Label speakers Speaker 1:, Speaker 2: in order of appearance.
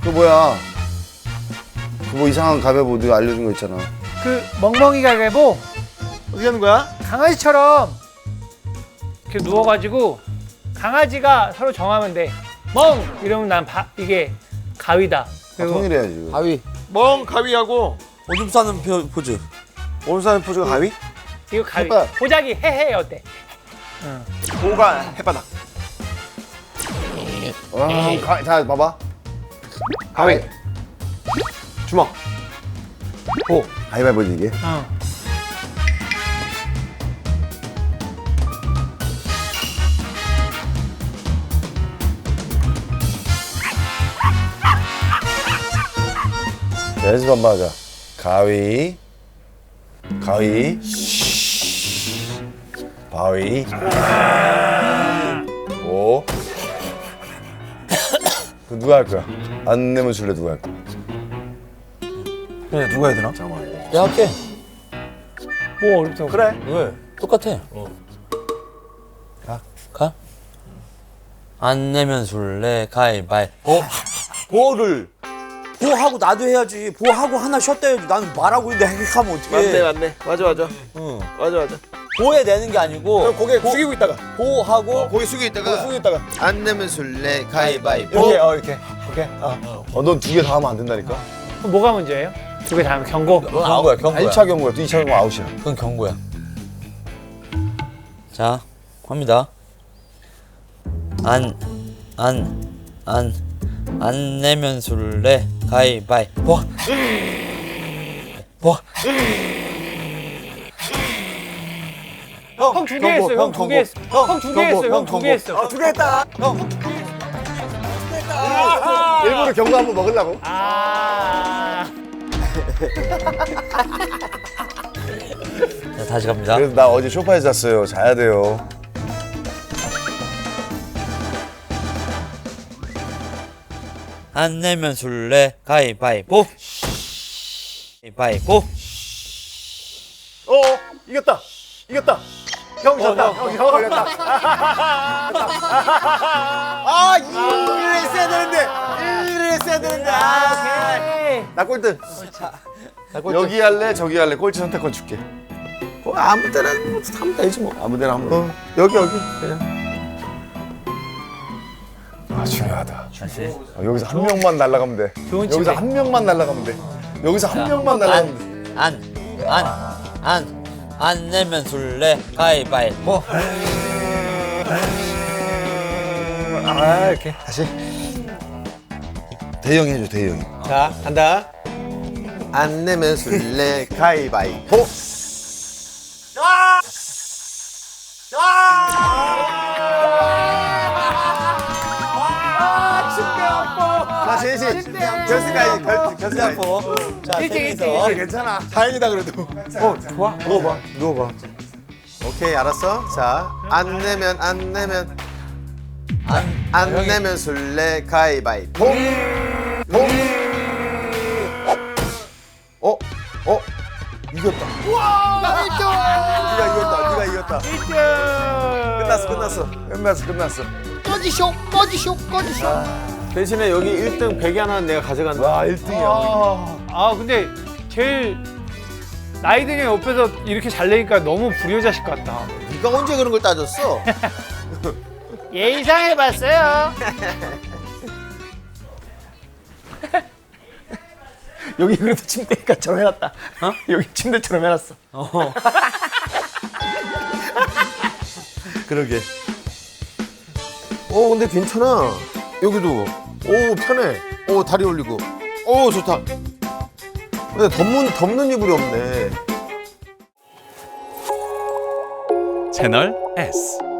Speaker 1: 그 뭐야? 그 뭐 이상한 가위바위보 네가 알려준 거 있잖아.
Speaker 2: 그 멍멍이 가위바위보
Speaker 3: 어떻게 하는 거야?
Speaker 2: 강아지처럼 이렇게 누워가지고 강아지가 서로 정하면 돼. 멍 이러면 난 이게 가위다. 그리고
Speaker 1: 통일해야지.
Speaker 4: 가위.
Speaker 3: 멍 가위하고
Speaker 4: 오줌 싸는 포즈.
Speaker 3: 오줌 싸는 포즈가 가위?
Speaker 2: 이거 가위.
Speaker 1: 햇반.
Speaker 2: 보자기 헤헤 어때?
Speaker 3: 보가 햇바닥.
Speaker 1: 자 봐봐.
Speaker 3: 가위. 주먹.
Speaker 1: 호. 가위바위보지 이게.
Speaker 2: 어.
Speaker 1: 자, 연습 한번 하자. 가위. 가위. 바위. 오. 그 누가 할 거야? 안 내면 술래 누가 할 거야?
Speaker 3: 그래 누가 해야 되나?
Speaker 4: 내가 할게.
Speaker 2: 뭐 어렵다고?
Speaker 3: 그래.
Speaker 4: 왜? 똑같아. 가. 안 내면 술래 가위바위보. 보를 보하고 나도 해야지. 보하고 하나 쉬었다 해야지. 나는 말하고 있는데 행복하면 어떡해.
Speaker 3: 맞네. 맞아.
Speaker 4: 응.
Speaker 3: 맞아.
Speaker 4: 보에 내는 게 아니고
Speaker 3: 고개 숙이고 있다가.
Speaker 4: 보하고
Speaker 3: 고개 숙이고 있다가.
Speaker 5: 안 내면 술래 가위바위보.
Speaker 3: 이렇게. 오케이.
Speaker 1: 넌 두 개 다 하면 안 된다니까?
Speaker 2: 그럼 뭐가 문제예요? 두 개 다 하면 경고.
Speaker 4: 넌 아웃이야. 경고야.
Speaker 1: 1차 경고야. 2차 경고 아웃이야.
Speaker 4: 그건 경고야. 자, 합니다. 안 내면 술래 가위바위보.
Speaker 2: 형 두 개 했어. 형 두 개 했어. 형 두 개 했어. 형 두 개 했어.
Speaker 3: 두 개 했다.
Speaker 1: 일부러 경고 한번 먹으려고?
Speaker 2: 아.
Speaker 4: 자, 다시 갑니다.
Speaker 1: 그래서 나 어제 소파에서 잤어요. 자야 돼요.
Speaker 4: 안 내면 술래 가위바위보. 가위바위보.
Speaker 3: 이겼다. 형 졌다. 형 걸렸다. 아, 이를 했어야 되는데.
Speaker 2: 오케이.
Speaker 1: 나 꼴등. 여기 할래? 저기 할래? 꼴찌 선택권 줄게.
Speaker 3: 아무 때나 하면 되지 뭐.
Speaker 1: 아무 데나 한번.
Speaker 3: 여기 그냥.
Speaker 1: 아, 중요하다.
Speaker 4: 다시.
Speaker 1: 여기서 한 명만 날아가면 돼.
Speaker 2: 좋은
Speaker 1: 여기서
Speaker 2: 집에.
Speaker 1: 한 명만 날아가면 돼. 여기서 한 명만 날아가면 돼.
Speaker 4: 안 내면 술래 가위바위보.
Speaker 3: 아, 이렇게. 다시.
Speaker 1: 대형이 해줘, 대형이.
Speaker 3: 자, 간다.
Speaker 5: 안 내면 술래 가위바위보.
Speaker 1: 나 제시. 결승까지.
Speaker 3: 결승.
Speaker 4: 자,
Speaker 2: 일찍.
Speaker 1: 괜찮아.
Speaker 3: 다행이다 그래도.
Speaker 1: 좋아. 누워봐.
Speaker 5: 오케이 알았어. 자, 안 내면 안 내면 술래 가위바위보.
Speaker 1: 이겼다. 네가 이겼다. 끝났어.
Speaker 3: 대신에 여기 1등 100이 하나는 내가 가져간다.
Speaker 1: 와, 1등이야.
Speaker 2: 아 근데 제일 나이 든 형 옆에서 이렇게 잘 내니까 너무 불효자식 같다.
Speaker 5: 네가 언제 그런 걸 따졌어?
Speaker 2: 예상해봤어요.
Speaker 3: 여기 그래도 침대처럼 해놨다. 여기 침대처럼 해놨어.
Speaker 1: 그러게.
Speaker 5: 근데 괜찮아. 여기도. 편해. 다리 올리고. 좋다. 근데 덮는 이불이 없네.
Speaker 6: 채널 S